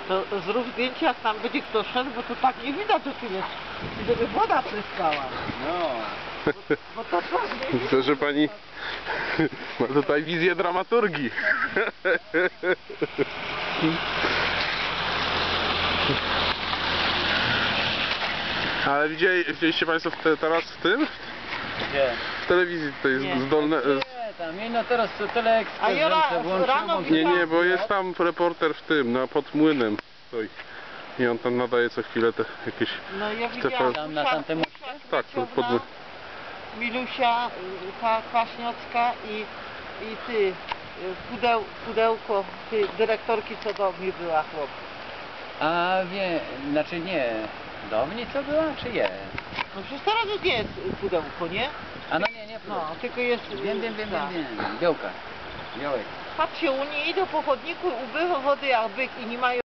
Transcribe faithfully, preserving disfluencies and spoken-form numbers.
To zrób zdjęcie, jak tam będzie kto szedł, bo to tak nie widać, że tu jest, żeby woda pryskała. No. Bo, bo to tak nie widać. To, że pani ma tutaj wizję dramaturgii. Ale widzieli, widzieliście państwo w te, teraz w tym? Gdzie? W telewizji tutaj Nie. zdolne... Nie, tam, nie, no teraz to teleekspert, A ja ra- rano Nie, nie, bo jest tam reporter w tym, na pod młynem stoi. I on tam nadaje co chwilę te jakieś... No ja Te widziałam, Tam na Usia- tamtym Usia Tak, to pod... Kwieciowna, Milusia, y, ta Kwaśniocka i, i ty, y, pudeł, pudełko, ty, dyrektorki, co do mnie była, chłop. A wie, znaczy nie, do mnie co była, czy je? No przecież teraz już nie jest pudełko, nie? A no nie, nie, No, tylko jest... wiem, wiem, wiem, tak. wiem, wiem, białka, białek. Patrzcie, oni idą po chodniku, ubywa wody jak byk i nie mają